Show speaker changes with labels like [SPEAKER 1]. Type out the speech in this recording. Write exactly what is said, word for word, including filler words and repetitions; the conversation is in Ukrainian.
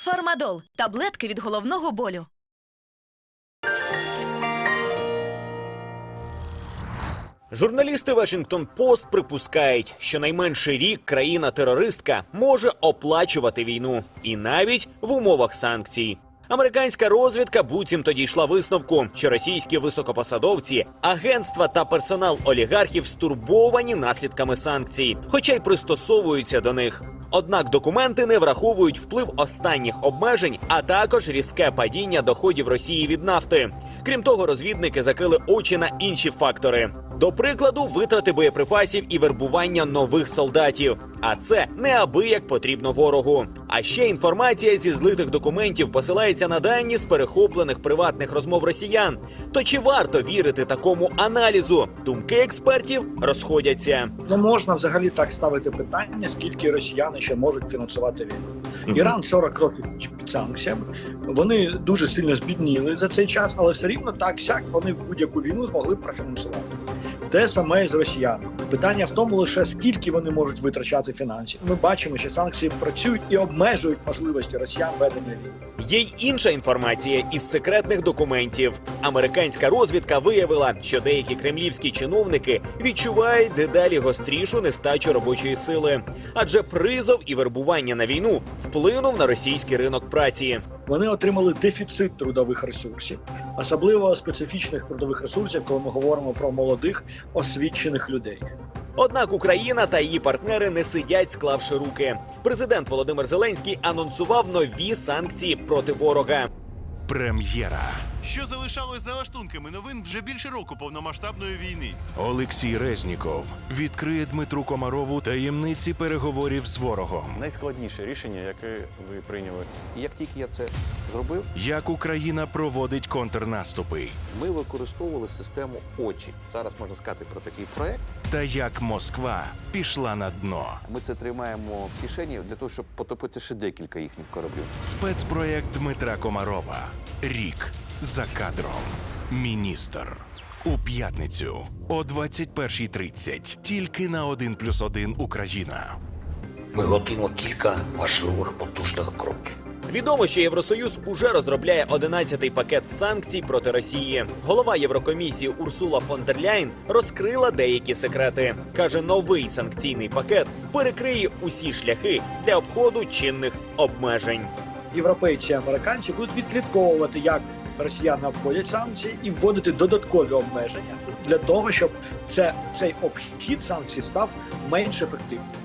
[SPEAKER 1] Фармадол – таблетки від головного болю.
[SPEAKER 2] Журналісти Вашингтон-Пост припускають, що найменше рік країна-терористка може оплачувати війну. І навіть в умовах санкцій. Американська розвідка буцімто дійшла висновку, що російські високопосадовці, агентства та персонал олігархів стурбовані наслідками санкцій, хоча й пристосовуються до них. Однак документи не враховують вплив останніх обмежень, а також різке падіння доходів Росії від нафти. Крім того, розвідники закрили очі на інші фактори. До прикладу, витрати боєприпасів і вербування нових солдатів. А це неабияк потрібно ворогу. А ще інформація зі злитих документів посилається на дані з перехоплених приватних розмов росіян. То чи варто вірити такому аналізу? Думки експертів розходяться.
[SPEAKER 3] Не можна взагалі так ставити питання, скільки росіяни ще можуть фінансувати війну. Іран сорок років під санкціями. Вони дуже сильно збідніли за цей час, але все рівно так-сяк вони в будь-яку війну змогли б профінансувати. Те саме і з росіянами. Питання в тому лише, скільки вони можуть витрачати фінансів. Ми бачимо, що санкції працюють і обмежують можливості росіян ведення війни.
[SPEAKER 2] Є й інша інформація із секретних документів. Американська розвідка виявила, що деякі кремлівські чиновники відчувають дедалі гострішу нестачу робочої сили. Адже призов і вербування на війну вплинув на російський ринок праці.
[SPEAKER 3] Вони отримали дефіцит трудових ресурсів, особливо специфічних трудових ресурсів, коли ми говоримо про молодих, освічених людей.
[SPEAKER 2] Однак Україна та її партнери не сидять, склавши руки. Президент Володимир Зеленський анонсував нові санкції проти ворога.
[SPEAKER 4] Прем'єра.
[SPEAKER 5] Що залишалось за лаштунками новин вже більше року повномасштабної війни.
[SPEAKER 4] Олексій Резніков відкриє Дмитру Комарову таємниці переговорів з ворогом.
[SPEAKER 6] Найскладніше рішення, яке ви прийняли.
[SPEAKER 7] І як тільки я це зробив,
[SPEAKER 4] Як Україна проводить контрнаступи.
[SPEAKER 7] ми використовували систему «Очі». Зараз можна сказати про такий проект.
[SPEAKER 4] Та як Москва пішла на дно.
[SPEAKER 7] Ми це тримаємо в кишені для того, щоб потопити ще декілька їхніх кораблів.
[SPEAKER 4] Спецпроєкт Дмитра Комарова. Рік за кадром. Міністр. У п'ятницю о двадцять першій тридцять. Тільки на один плюс один Україна.
[SPEAKER 8] Ми готуємо кілька важливих потужних кроків.
[SPEAKER 2] Відомо, що Євросоюз уже розробляє одинадцятий пакет санкцій проти Росії. Голова Єврокомісії Урсула фон дер Ляйн розкрила деякі секрети. Каже, новий санкційний пакет перекриє усі шляхи для обходу чинних обмежень.
[SPEAKER 3] Європейці і американці будуть відслідковувати, як росіяни обходять санкції, і вводити додаткові обмеження для того, щоб це, цей обхід санкцій став менш ефективним.